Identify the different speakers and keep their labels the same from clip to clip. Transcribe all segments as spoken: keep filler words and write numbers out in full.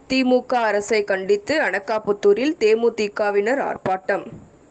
Speaker 1: திமுக அரசை கண்டித்து அனகாபுத்தூரில் தேமுதிகவினர் ஆர்ப்பாட்டம்.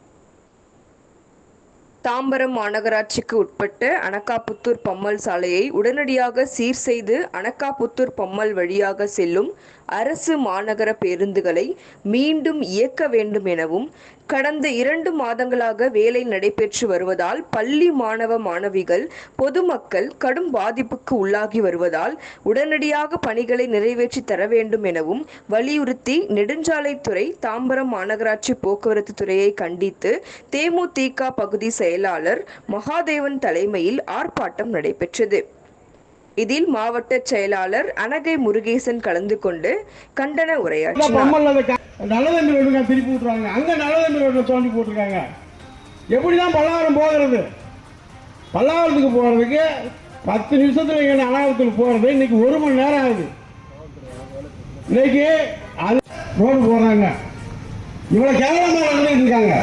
Speaker 1: தாம்பரம் மாநகராட்சிக்கு உட்பட்ட அனகாபுத்தூர் பம்மல் சாலையை உடனடியாக சீர் செய்து அனகாபுத்தூர் பம்மல் வழியாக செல்லும் அரசு மாநகர பேருந்துகளை மீண்டும் இயக்க வேண்டும் எனவும், கடந்த இரண்டு மாதங்களாக வேலை நடைபெற்று வருவதால் பள்ளி மாணவ மாணவிகள், பொதுமக்கள் கடும் பாதிப்புக்கு உள்ளாகி வருவதால் உடனடியாக பணிகளை நிறைவேற்றி தர வேண்டும் எனவும் வலியுறுத்தி நெடுஞ்சாலைத்துறை, தாம்பரம் மாநகராட்சி போக்குவரத்து துறையை கண்டித்து தேமுதிக பகுதி செயலாளர் மகாதேவன் தலைமையில் ஆர்ப்பாட்டம் நடைபெற்றது. இதில் மாவட்ட செயலாளர் அனகை முருகேசன் கலந்து கொண்டு கண்டன உரையாற்றினார்.
Speaker 2: நல்லதம்பி ரோடு திருப்பி விட்டுருவாங்க, அங்க நல்லதம்பி ரோடு தோண்டி போட்டிருக்காங்க. எப்படிதான் பல்லாவரம் போகிறது? பல்லாவரத்துக்கு போறதுக்கு பத்து நிமிஷத்துல இங்க அனாவரத்துக்கு போறது இன்னைக்கு ஒரு மணி நேரம் ஆகுது. இன்னைக்கு அது ரோடு போடுறாங்க, இவ்வளவு கேவலமா நடந்துட்டு இருக்காங்க.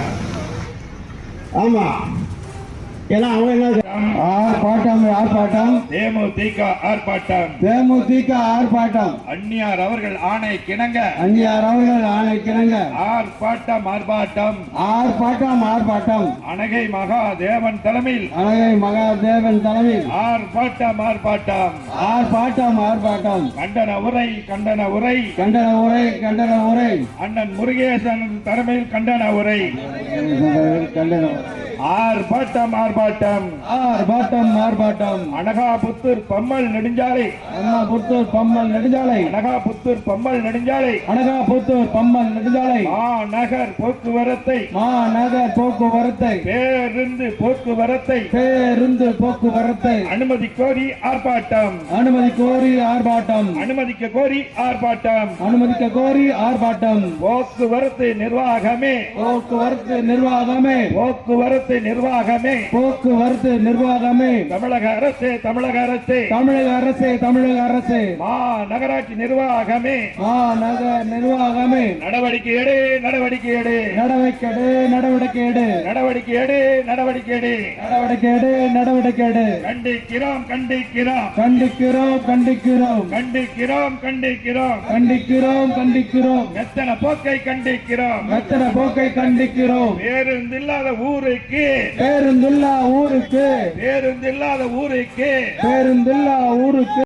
Speaker 2: ஆமா, ஏன்னா அவங்க என்ன ஆர்ப்பாட்டம் ஆர்ப்பாட்டம்
Speaker 3: தேமுதிக ஆர்ப்பாட்டம்
Speaker 2: தேமுதிக ஆர்ப்பாட்டம்
Speaker 3: அந்நியார் அவர்கள் ஆணை கிணங்க
Speaker 2: அந்நியார் அவர்கள் ஆணை கிணங்க
Speaker 3: ஆர்ப்பாட்டம் ஆர்ப்பாட்டம்
Speaker 2: ஆர்ப்பாட்டம் ஆர்ப்பாட்டம்
Speaker 3: அனகை மகாதேவன் தலைமையில்
Speaker 2: அனகை மகாதேவன் தலைமையில்
Speaker 3: ஆர்ப்பாட்டம் ஆர்ப்பாட்டம்
Speaker 2: ஆர்ப்பாட்டம் ஆர்ப்பாட்டம்
Speaker 3: கண்டன உரை கண்டன உரை
Speaker 2: கண்டன உரை கண்டன உரை
Speaker 3: அண்ணன் முருகேசன் தலைமையில் கண்டன உரை
Speaker 2: கண்டன
Speaker 3: ஆர்ப்பாட்டம் ஆர்ப்பாட்டம்
Speaker 2: ஆர்ப்பாட்டம் ஆர்ப்பாட்டம்
Speaker 3: அனகாபுத்தூர் பம்மல் நெடுஞ்சாலை
Speaker 2: அனகாபுத்தூர் பம்மல் நெடுஞ்சாலை
Speaker 3: அனகாபுத்தூர் பம்மல் நெடுஞ்சாலை
Speaker 2: அனகாபுத்தூர் பம்மல் நெடுஞ்சாலை
Speaker 3: மாநகர் போக்குவரத்தை
Speaker 2: மாநகர் போக்குவரத்தை
Speaker 3: பேருந்து போக்குவரத்தை
Speaker 2: பேருந்து போக்குவரத்தை
Speaker 3: அனுமதி கோரி ஆர்ப்பாட்டம்
Speaker 2: அனுமதி கோரி ஆர்ப்பாட்டம்
Speaker 3: அனுமதிக்க கோரி ஆர்ப்பாட்டம்
Speaker 2: அனுமதிக்க கோரி ஆர்ப்பாட்டம்
Speaker 3: போக்குவரத்து நிர்வாகமே
Speaker 2: போக்குவரத்து நிர்வாகமே
Speaker 3: போக்குவரத்து நிர்வாகமே
Speaker 2: போக்குவரத்து நிர்வாகமே
Speaker 3: தமிழக அரசு தமிழக அரசு
Speaker 2: தமிழக அரசு தமிழக அரசு
Speaker 3: மாநகராட்சி நிர்வாகமே
Speaker 2: மாநகர் நிர்வாகமே
Speaker 3: நடவடிக்கை எடு நடவடிக்கை எடு
Speaker 2: நடவடிக்கை எடு நடவடிக்கை எடு
Speaker 3: நடவடிக்கை எடு நடவடிக்கை எடு
Speaker 2: நடவடிக்கை எடு நடவடிக்கை எடு
Speaker 3: கண்டிக்கிறோம் கண்டிக்கிறோம்
Speaker 2: கண்டிக்கிறோம் கண்டிக்கிறோம்
Speaker 3: கண்டிக்கிறோம் கண்டிக்கிறோம்
Speaker 2: கண்டிக்கிறோம் கண்டிக்கிறோம்
Speaker 3: எத்தனை போக்கை கண்டிக்கிறோம்
Speaker 2: எத்தனை போக்கை கண்டிக்கிறோம்
Speaker 3: பேருந்தில்லாத ஊருக்கு
Speaker 2: பேருந்தில்லா ஊருக்கு
Speaker 3: பேருந்தில்லாத ஊருக்கு
Speaker 2: பேருந்தில்லா ஊருக்கு